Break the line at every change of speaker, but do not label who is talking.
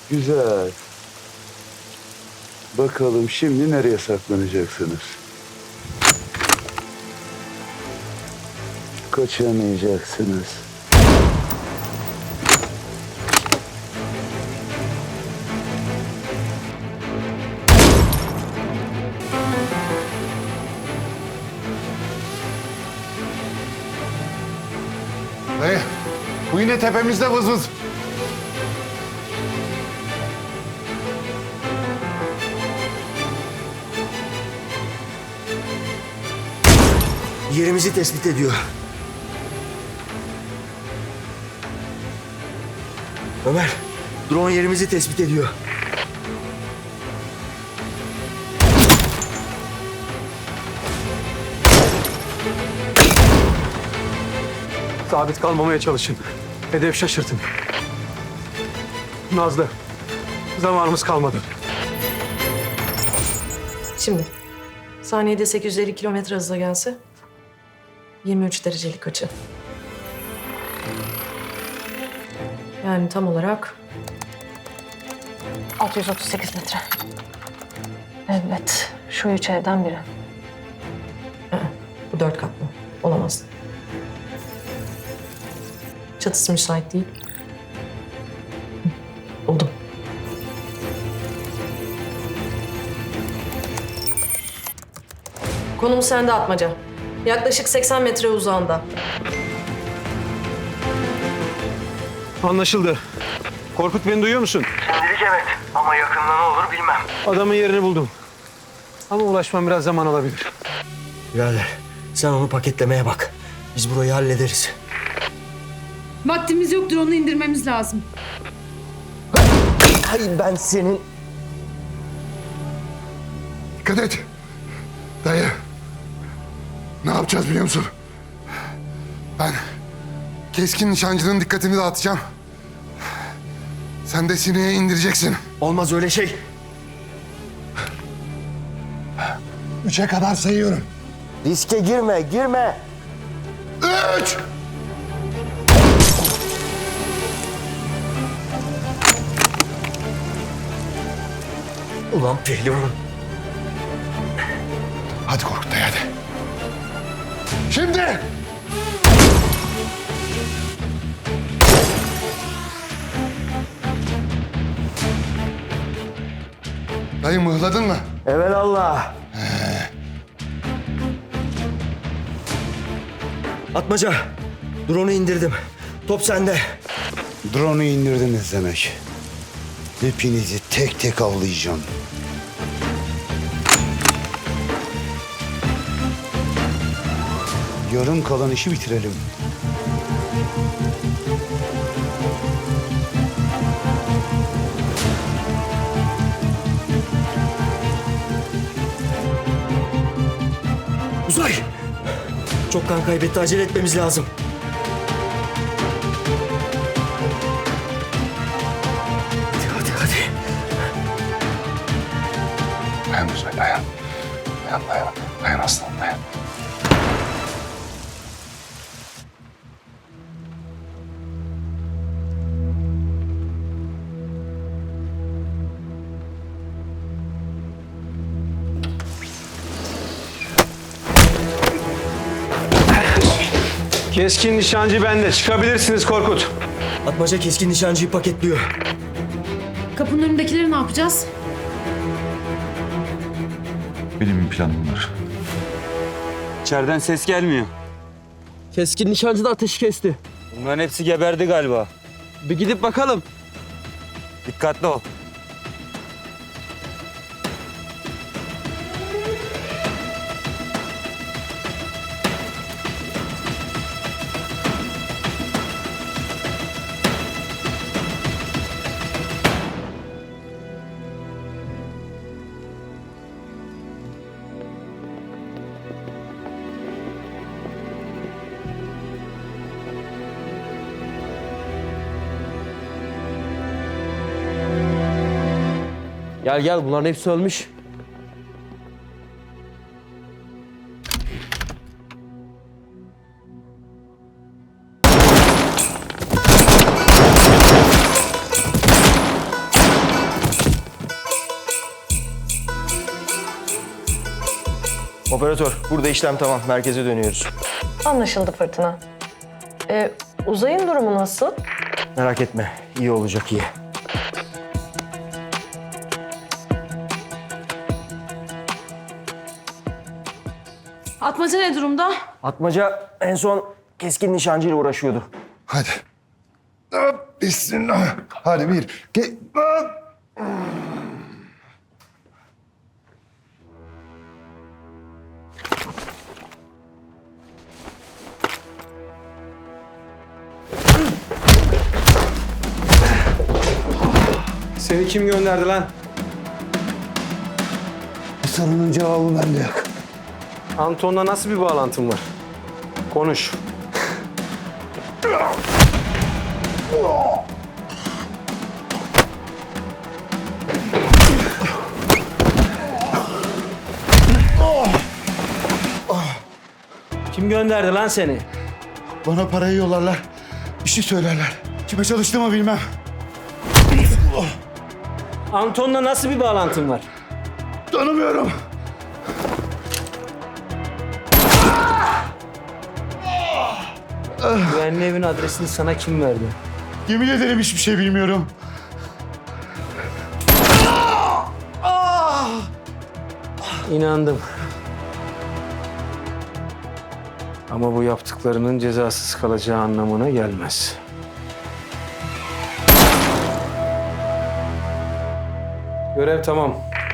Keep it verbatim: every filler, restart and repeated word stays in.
Güzel. Bakalım şimdi nereye saklanacaksınız? Kaçamayacaksınız.
Dayı, bu yine tepemizde vız vız.
Yerimizi tespit ediyor. Ömer, drone yerimizi tespit ediyor.
Sabit kalmamaya çalışın. Hedef şaşırtın. Nazlı, zamanımız kalmadı.
Şimdi saniyede sekiz yüz elli kilometre hızla gelse yirmi üç derecelik açı. Yani tam olarak altı yüz otuz sekiz metre. Evet, şu üç evden biri. Hı, bu dört katlı. Olamaz. Çatısı müsait değil. Hı, buldum. Konum sende Atmaca. Yaklaşık seksen metre uzağında.
Anlaşıldı. Korkut, beni duyuyor musun?
Şimdilik evet ama yakında ne olur bilmem.
Adamın yerini buldum. Ama ulaşmam biraz zaman alabilir.
Birader, sen onu paketlemeye bak. Biz burayı hallederiz.
Vaktimiz yoktur, onu indirmemiz lazım.
Hay ben senin...
Dikkat et. Dayı, ne yapacağız biliyor musun? Ben keskin nişancının dikkatini dağıtacağım. Sen de sineye indireceksin.
Olmaz öyle şey.
Üçe kadar sayıyorum.
Riske girme, girme.
Üç!
Ulan pehlivan.
Hadi Korkut dayı hadi. Şimdi! Dayı mıhladın mı?
Evelallah. Atmaca, drone'u indirdim. Top sende.
Drone'u indirdiniz demek. Hepinizi tek tek avlayacağım. Yarım kalan işi bitirelim.
Uzay! Çok kan kaybetti, acele etmemiz lazım. Hadi, hadi, hadi.
Dayan Uzay dayan. Dayan dayan. Dayan aslanım dayan.
Keskin nişancı bende. Çıkabilirsiniz Korkut.
Atmaca keskin nişancıyı paketliyor.
Kapının önündekileri ne yapacağız?
Benim planım var.
İçeriden ses gelmiyor.
Keskin nişancı da ateşi kesti.
Bunların hepsi geberdi galiba.
Bir gidip bakalım.
Dikkatli ol.
Gel gel, bunların hepsi ölmüş.
Operatör, burada işlem tamam. Merkeze dönüyoruz.
Anlaşıldı Fırtına. Ee, Uzay'ın durumu nasıl?
Merak etme, iyi olacak iyi.
Atmaca ne durumda?
Atmaca en son keskin nişancıyla uğraşıyordu.
Hadi. Hop, bismillah. Hadi bir. Ge hop.
Seni kim gönderdi lan?
Bu sorunun cevabı bende yok.
Anton'la nasıl bir bağlantın var? Konuş.
Kim gönderdi lan seni?
Bana parayı yollarlar. Bir şey söylerler. Kime çalıştığımı bilmem.
Anton'la nasıl bir bağlantın var?
Tanımıyorum.
Güvenli evin adresini sana kim verdi?
Yemin ederim hiçbir şey bilmiyorum.
İnandım. Ama bu yaptıklarının cezasız kalacağı anlamına gelmez. Görev tamam.